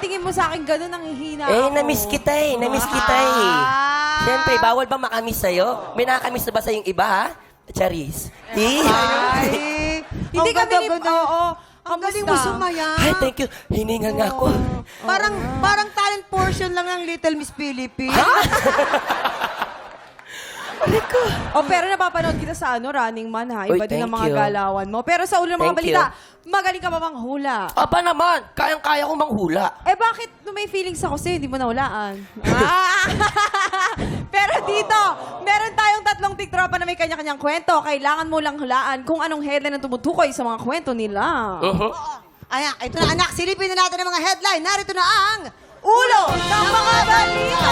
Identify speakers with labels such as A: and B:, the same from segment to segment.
A: tingin mo sa akin ganun, nanghihina
B: Eh,
A: ako.
B: na-miss kita eh. Na-miss kita eh. Siyempre, bawal ba makamiss sa'yo? May nakamiss na ba sa'yong iba, ha? Charis.
C: Ay,
A: Hindi
C: ang
A: kami ni...
C: ganda-ganda.
A: Oo.
C: Ang galing mo sumaya.
B: Ay, thank you. Hiningal nga ako.
C: Parang talent portion lang ng Little Miss Philippines.
A: Oh, pero napapanood kita sa Running Man, ha?
B: Uy,
A: Iba din ang
B: thank
A: mga
B: you.
A: galawan mo. Pero sa ulo ng mga
B: Thank
A: balita, magaling ka ba manghula?
B: Aba naman, kayang-kaya kong manghula.
A: Eh, bakit nung may feelings ako sa'yo, hindi mo nahulaan? Pero dito, meron tayong tatlong tiktropa na may kanya-kanyang kwento. Kailangan mo lang hulaan kung anong headline ang tumutukoy sa mga kwento nila.
C: Ayan, ito na anak, silipin na natin ang mga headline. Narito na ang
A: Ulo ng mga balita!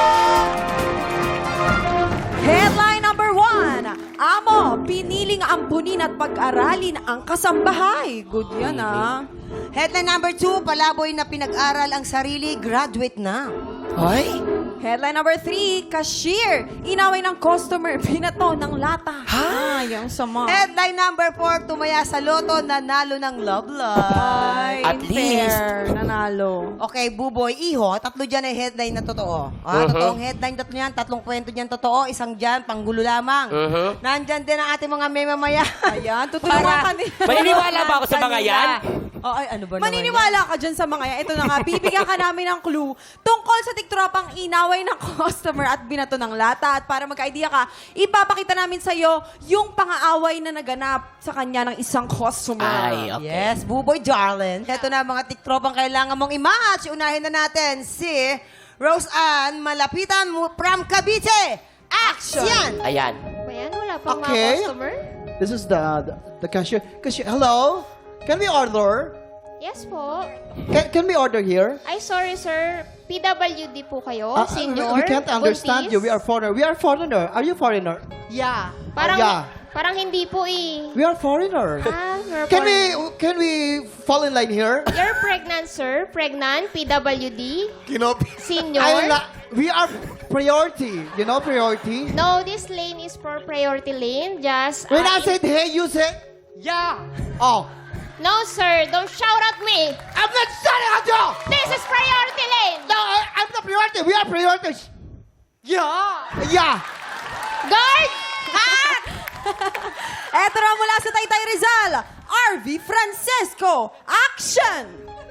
A: Headline number 1. Amo, piniling ampunin at pag-aralin ang kasambahay. Good yan, ah.
C: Headline number 2, palaboy na pinag-aral ang sarili, graduate na.
B: Ay?
A: Headline number 3, cashier. Inaway ng customer, pinato ng lata. Ha? Yung sama.
C: Headline number 4, tumaya sa loto, nanalo ng love life.
A: Ay,
B: At
A: unfair. Nanalo.
C: Okay, Buboy, Iho, tatlo dyan ay headline na totoo. Totoong headline, tatlo yan, tatlong kwento dyan totoo, isang dyan, panggulo lamang. Nandyan din ang ating mga memamaya.
A: Ayan, tutulungan ka din.
B: Maniniwala ba ako sa mga yan?
C: Oh, ay, ano ba naman
A: Maniniwala ka dyan sa mga yan. Ito na nga, bibigyan ka namin ng clue tungkol sa tiktropang inaway ng customer at binato ng lata. At para magka-idea ka, ipapakita namin sa'yo yung pang-aaway na naganap sa kanya ng isang customer.
B: Ay, okay.
C: Yes, Buboy darling. Ito na ang mga tiktropang kailangan mong i-match. Unahin na natin si Rose Ann Malapitan from Cavite. Action!
B: Ayan.
D: Ayan, wala pang
E: Okay.
D: mga customer?
E: This is the cashier. Cashier, hello? Can we order?
D: Yes po.
E: Can we order here?
D: Ay, sorry sir. PWD po kayo, senior.
E: We can't understand you. We are foreigner. We are foreigner. Are you foreigner?
C: Yeah.
D: Parang,
E: Yeah.
D: parang hindi po eh.
E: We are foreigner.
D: You're
E: Can we fall in line here?
D: You're pregnant, sir. Pregnant, PWD, senior.
E: We are priority. You know priority?
D: No, this lane is for priority lane. Just...
E: When I said hey, you said yeah. Oh.
D: No, sir. Don't shout at me.
E: I'm not shouting at you!
D: This is priority lane.
E: No, I'm the priority. We are priorities. Yeah. Yeah.
D: Guard!
A: Eto na mula sa Taytay Rizal, RV Francisco. Action!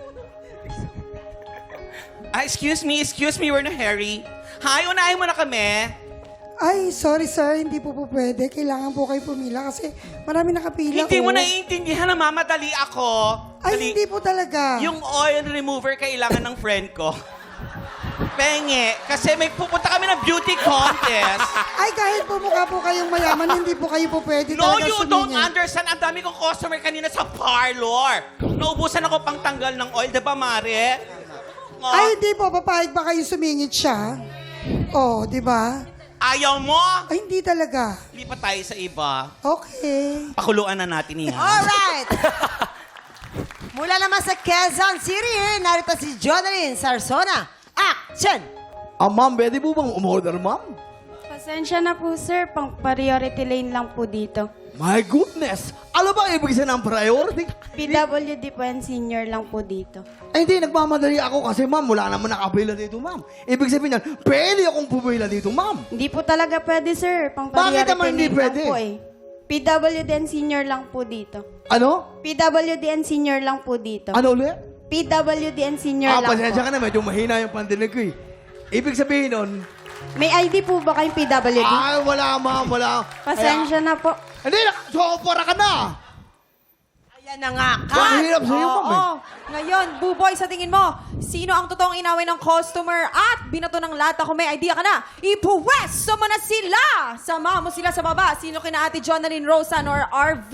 F: Excuse me, we're na Harry. Hi, unahin mo na kami.
G: Ay, sorry sir, hindi po pwede. Kailangan po kayo pumila kasi marami nakapila
F: Hindi
G: ko.
F: mo naiintindihan na mamadali ako.
G: Ay,
F: Dali.
G: hindi po talaga.
F: Yung oil remover kailangan ng friend ko. Penge, kasi may pupunta kami ng beauty contest.
G: Ay, kahit po mukha po kayong mayaman, hindi po kayo po pwede
F: No,
G: talaga
F: you don't
G: sumingit.
F: understand. Ang dami kong customer kanina sa parlor. Naubusan ako pang tanggal ng oil. Diba, Mare? Oh,
G: Ay, hindi po. Papayag ba kayo sumingit siya? Oh, di ba?
F: ayaw mo?
G: Ay, hindi talaga.
F: Lipat tayo sa iba.
G: Okay.
F: Pakuluan na natin yan.
C: Alright. Mula naman sa Quezon City, narito si Jonalyn Sarsona. Action!
E: Ma'am, pwede po bang umorder, ma'am?
H: Pasensya na po, sir. Pang priority lane lang po dito.
E: My goodness! Ano ba ibig sabihin ng priority?
H: PWD po and senior lang po dito.
E: Ay, hindi, nagmamadali ako kasi ma'am, wala naman nakapila dito, ma'am. Ibig sabihin yan, pwede akong pumila dito, ma'am.
H: Hindi po talaga pwede, sir. Pang
E: Bakit
H: priority
E: naman hindi
H: lane
E: pwede?
H: lang po eh. PWD and senior lang po dito.
E: Ano?
H: PWD and senior lang po dito.
E: Ano ulit?
H: PWD and senior lang
E: Pasensya
H: po.
E: ka na, medyo mahina yung pandinig ko eh. Ibig sabihin nun,
H: May ID po ba kayong PWD?
E: ay, wala ma'am, wala.
H: Pasensya na po.
E: Hindi, sopora ka na.
C: Ayan na nga.
E: Ang hirap sa'yo, ma'am eh.
A: Oo. Ngayon, Buboy, sa tingin mo, sino ang totoong inaway ng customer at binato ng lata? Kung may idea ka na, ipuwesto mo na sila! Sama mo sila sa baba. Sino kina Ate Jonalyn, Rosan, or RV?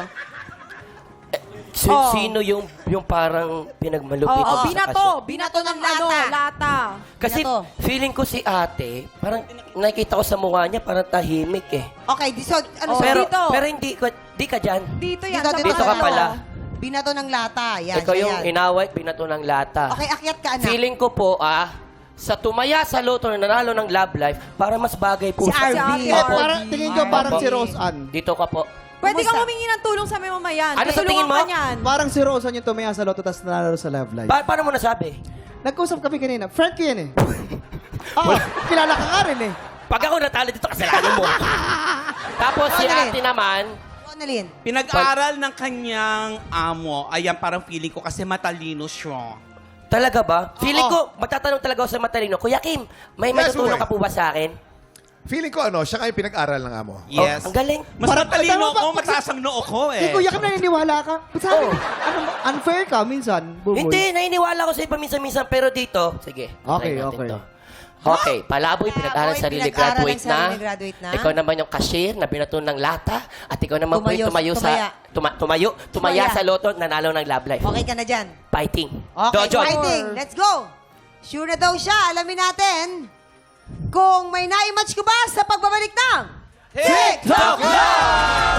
A: Oh.
B: Sino yung parang pinagmalupit
A: Oo,
B: sa
A: binato.
B: kasya?
A: Binato ng
C: Binato.
A: lata.
B: Kasi
C: Binato.
B: feeling ko si ate, parang nakikita ko sa mukha niya, parang tahimik eh.
C: Okay, so, ano
A: Oh,
C: so,
A: dito.
B: Pero di ka dyan.
A: Dito yan.
C: Dito,
A: sa
C: dito
B: Dito
A: mga
B: ka
A: ano.
B: pala.
C: binato ng lata. Yan,
B: Ikaw
C: siya
B: yung
C: yan.
B: inaway, binato ng lata.
C: Okay, akyat ka, anak.
B: Feeling ko po, sa tumaya sa loto na nanalo ng Love Life, para mas bagay po
C: Si RV.
A: Si
E: Eh,
A: Opo.
E: parang, tingin ko parang si Rose Ann.
B: Dito ka po.
A: Pwede kang
C: Kumusta?
A: humingi ng tulong sa mamamayan.
B: Ano sa
A: Tutulungan
B: tingin mo?
A: ka niyan.
E: Parang si Rose Ann yung tumaya sa loto tapos nanalo sa Love Life.
B: Paano mo nasabi?
E: Nagkausap kami kanina. Friend ko yan eh. Oo, kilala ka nga rin eh.
B: Pag ako natalo dito, kasalanan mo. Tapos si
C: Annalyn.
B: ate naman,
C: Annalyn.
F: Pinag-aral ng kanyang amo. Ayan, parang feeling ko kasi matalino siya.
B: talaga ba? Feeling ko, magtatanong talaga ako sa matalino, Kuya Kim, may
I: Yes,
B: matutulong
I: boy.
B: ka po ba sa akin?
I: Feeling ko siya nga yung pinag-aral ng amo.
F: Yes.
B: Oh, ang galing.
F: Mas
E: Parang-
F: matalino
E: tama ba?
F: ako, mataas ang noo ko
E: Si
F: eh.
E: Kuya Kim naniniwala ka. Ba't sa akin,
B: Oh.
E: ano, unfair ka minsan, Buboy?
B: Hindi, naniniwala ko sa'yo paminsan-minsan, pero dito, sige.
E: Okay,
B: try natin
E: okay.
B: to. Okay, Palaboy, pinag-aral
C: Palaboy,
B: sarili,
C: pinag-aral
B: graduate
C: ng
B: na.
C: sarili, graduate na.
B: Ikaw naman yung cashier na binato ng lata. At ikaw naman po yung
C: Tumaya.
B: tumaya sa loto, nanalo ng Love Life.
C: Okay ka na dyan.
B: Fighting.
C: Okay,
B: Dojon.
C: fighting. Let's go. Sure na daw siya. Alamin natin kung may naimatch ko ba sa pagbabalik ng
F: TikTok Live!